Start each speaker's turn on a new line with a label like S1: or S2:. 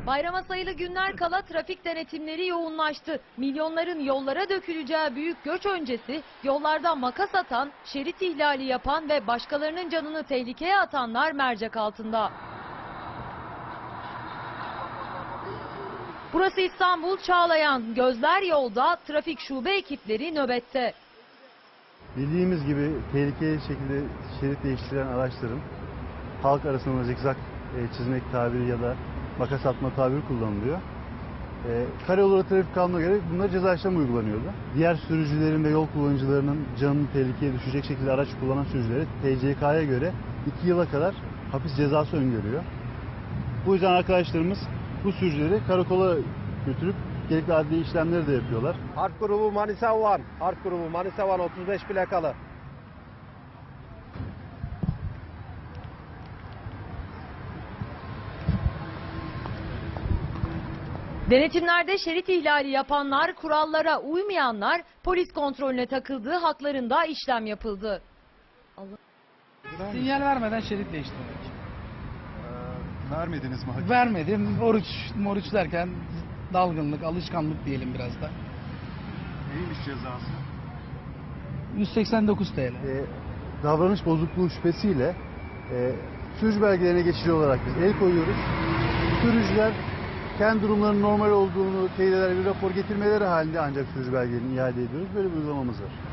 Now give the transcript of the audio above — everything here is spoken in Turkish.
S1: Bayrama sayılı günler kala trafik denetimleri yoğunlaştı. Milyonların yollara döküleceği büyük göç öncesi yollarda makas atan, şerit ihlali yapan ve başkalarının canını tehlikeye atanlar mercek altında. Burası İstanbul Çağlayan. Gözler yolda, trafik şube ekipleri nöbette.
S2: Bildiğimiz gibi tehlikeli şekilde şerit değiştiren araçların halk arasında zikzak çizmek tabiri ya da makas atma tabiri kullanılıyor. Karayolu trafik kanununa göre bunlar ceza işlemi uygulanıyordu. Diğer sürücülerin ve yol kullanıcılarının canını tehlikeye düşecek şekilde araç kullanan sürücülere TCK'ya göre 2 yıla kadar hapis cezası öngörüyor. Bu yüzden arkadaşlarımız bu sürücüleri karakola götürüp gerekli adli işlemleri de yapıyorlar.
S3: Harp grubu Manisa Van, Harp grubu Manisa Van 35 plakalı.
S1: Denetimlerde şerit ihlali yapanlar, kurallara uymayanlar polis kontrolüne takıldığı haklarında işlem yapıldı.
S4: Sinyal vermeden şerit değiştirmek.
S2: Vermediniz mi?
S4: Vermedim. Oruç derken dalgınlık, alışkanlık diyelim biraz da.
S2: Neymiş cezası?
S4: 189 TL.
S2: Davranış bozukluğu şüphesiyle sürücü belgelerine geçici olarak biz el koyuyoruz. Sürücüler kendi durumlarının normal olduğunu teyit eder bir rapor getirmeleri halinde ancak sürücü belgelerini iade ediyoruz. Böyle bir uygulamamız var.